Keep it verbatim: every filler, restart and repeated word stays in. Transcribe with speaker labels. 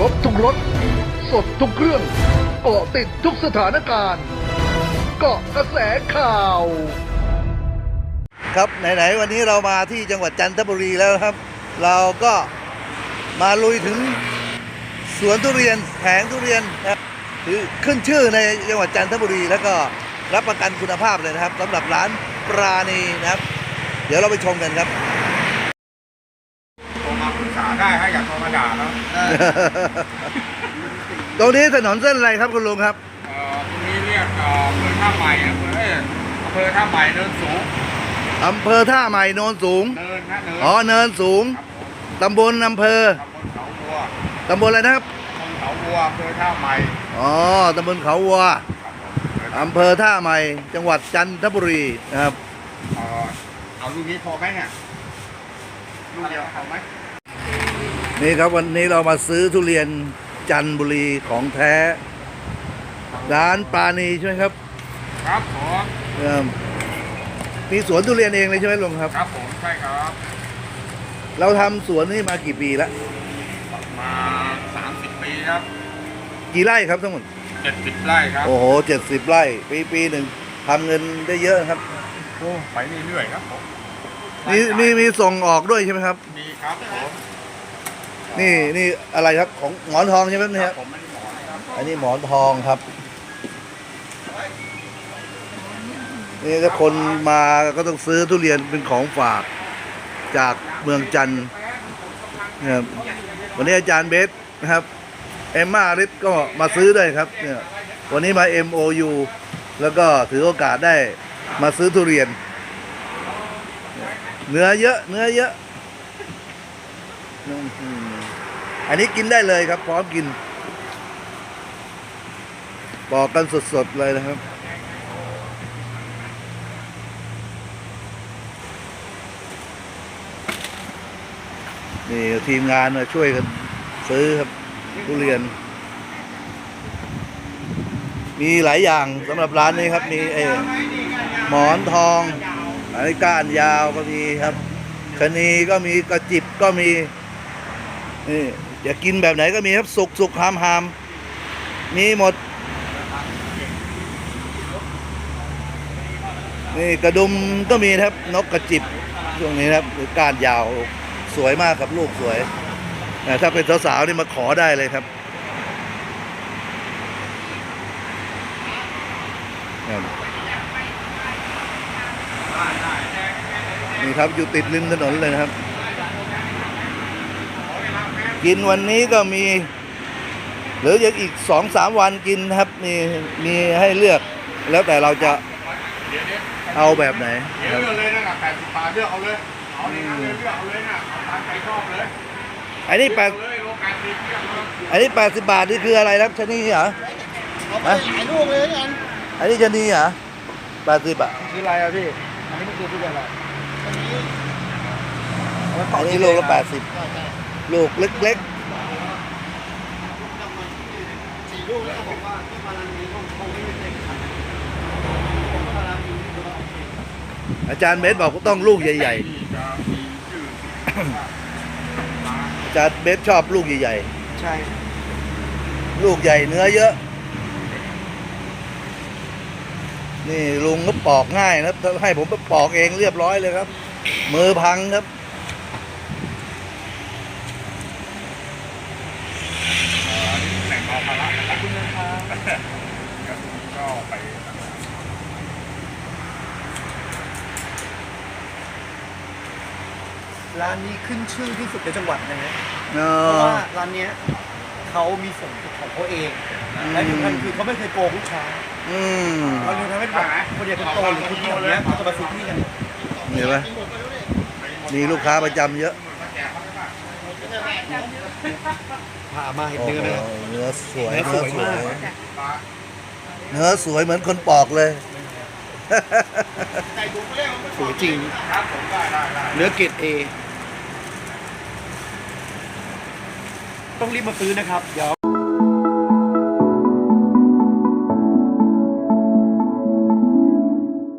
Speaker 1: บทุกรถสดทุกเครื่องเกาะติดทุกสถานการณ์เกาะกระแสข่าว
Speaker 2: ครับไหนๆวันนี้เรามาที่จังหวัดจันทบุรีแล้วครับ เราก็มาลุยถึงสวนทุเรียนแผงทุเรียนนะครับคือขึ้นชื่อในจังหวัดจันทบุรีแล้วก็รับประกันคุณภาพเลยนะครับสำหรับร้านปราณีนะครับ เดี๋ยวเราไปชมกันครับ
Speaker 3: โทรมาปรึกษาได้ฮะอยากโทรมาด่าแล้ว
Speaker 2: ตรงนี้ถนนเส้นอะไรครับคุณลุงครับ
Speaker 3: เอ่อตรงนี้เรียกเอ่ออำเภอท่าใหม่อำเภอเอ้ยอำเภอท่าใหม่เนินสูง
Speaker 2: อำเภอท่าใหม่โนนสูง
Speaker 3: เนินนะเนิน
Speaker 2: อ๋อเนินสูง
Speaker 3: ครับผม
Speaker 2: ตำบลอำเภอ
Speaker 3: ตำบลเขาวัว
Speaker 2: ตำบลอะไรนะครับ
Speaker 3: ตำบลเขาวัวอำเภอท่าใหม่
Speaker 2: อ๋อตำบลเขาวัว
Speaker 3: ครับผม
Speaker 2: อำเภอท่าใหม่จังหวัดจันทบุรีนะครับ
Speaker 3: เอ่อเอาลูกนี้พอไหมเนี่ยลูกเดียวพอไหม
Speaker 2: นี่ครับวันนี้เรามาซื้อทุเรียนจันทบุรีของแท้ ร้านปราณีใช่ไหมครับ
Speaker 3: ครับผม
Speaker 2: เอิ่มมีสวนทุเรียนเองเลยใช่ไหมลุงครับ
Speaker 3: ครับผมใช่ครับ
Speaker 2: เราทำสวนนี่มากี่ปีแล้ว
Speaker 3: มาสามสิบปีครับ
Speaker 2: กี่ไร่ครับทั้งหมด
Speaker 3: เจ็ดสิบไร่ครับ
Speaker 2: โอ้โหเจ็ดสิบไร่ ปีปีหนึ่งทำเงินได้เยอะครับ
Speaker 3: โอ้ไปเรื่อยๆครับผม
Speaker 2: มีมีมีส่งออกด้วยใช่ไหมครับ
Speaker 3: มีครับผม
Speaker 2: นี่นี่อะไรครับของหมอนทองใช่ไหมเนี่ย
Speaker 3: ผมไม่ได้หมอนะครับ
Speaker 2: อันนี้หมอนทองครับ นี่ถ้าคนมาก็ต้องซื้อทุเรียนเป็นของฝากจากเมืองจันทร์นะครับวันนี้อาจารย์เบสนะครับเอมมาริสก็มาซื้อด้วยครับเนี่ยวันนี้มา เอ็ม โอ ยู แล้วก็ถือโอกาสได้มาซื้อทุเรียน เนื้อเยอะเนื้อเยอะอื้อหืออันนี้กินได้เลยครับพร้อมกินปอกกันสดๆเลยนะครับนี่ทีมงานมาช่วยกันซื้อครับทุเรียน มีหลายอย่างสำหรับร้านนี้ครับ มีไอ้หมอนทองอันนี้ก้านยาวก็มีครับชะนีก็มีกระจิบก็มีนี่อยากกินแบบไหนก็มีครับสุกสุกหามหามมีหมดนี่กระดุมก็มีครับนกกระจิบช่วงนี้นะครับหรือก้านยาวสวยมากครับลูกสวยนะถ้าเป็นสาวๆนี่มาขอได้เลยครับครับนี่ครับอยู่ติดริมถนนเลยนะครับ กินวันนี้ก็มีหรือยังอีกสองสามวันกินนะครับมีมีให้เลือก แล้วแต่เราจะเอาแบบไหน
Speaker 3: เดี๋ยวเลือกเลยนะแปดสิบบาทเลือกเอาเลย เอาในนั้นเลยเลือกเอาเลยนะเอาตามใจชอบเลย
Speaker 2: อันนี้แปด
Speaker 3: เลือกเลยโลแปดสิบเลือกเลย
Speaker 2: อันนี้แปดสิบบาทนี่คืออะไรครับชะนีเหรอ
Speaker 4: เอาไปหลายลูกเลยแล้วกัน
Speaker 2: อันนี้ชะนีเหรอแปดสิบอ่ะ
Speaker 4: คืออะไรอะพี่ อันนี้มันคือทุเรียนอะไร
Speaker 2: อันนี้ลูกละแปดสิบลูกเล็ก
Speaker 4: สี่ลูกแล้วเขาบอกว่าที่มาลันนี้คงคงไม่มีเต็มขัน
Speaker 2: ๆอาจารย์เบสบอกว่าต้องลูกใหญ่
Speaker 3: ที่จะมีชื่อ
Speaker 2: ๆอาจารย์เบสชอบลูกใหญ่
Speaker 4: ใช่
Speaker 2: ๆลูกใหญ่เนื้อเยอะนี่ลุงก็ปอกง่ายนะถ้าให้ผมไปปอกเองเรียบร้อยเลยครับ มือพังครับ
Speaker 3: แหล่งเบาภาระนะครับก็ไป
Speaker 4: ร้านนี้ขึ้นชื่อที่สุดในจังหวัดนะฮะ
Speaker 2: เอ
Speaker 4: เพราะ
Speaker 2: อ
Speaker 4: ว่าร้านเนี้ยเขามีส่งของเขาเอง และที่สำคัญคือเขาไม่เคยโกงลูกค้า
Speaker 2: อืม
Speaker 4: เราเลยทำให้แบบคนเดียวคนโตหรือคนที่แบบเนี้ยเขาจะมาซื้อที่กัน
Speaker 2: เห็นไหมมีลูกค้าประจำเยอะ
Speaker 4: ผ่ามาเห็น
Speaker 2: โอ้
Speaker 4: เนื้อ
Speaker 2: โห
Speaker 4: ไหมครับ
Speaker 2: เนื้อสวย
Speaker 4: เนื้
Speaker 2: เนื้
Speaker 4: อ
Speaker 2: อ
Speaker 4: ส
Speaker 2: ส
Speaker 4: ว
Speaker 2: วย ย
Speaker 4: มาก
Speaker 2: เนื้อสวยเหมือนคนปอกเลย
Speaker 4: สวยจริง
Speaker 3: ครับผมได้ได้ได้
Speaker 4: เนื้อเกรดเอต้องรีบมาซื้อนะครับ เดี๋ยว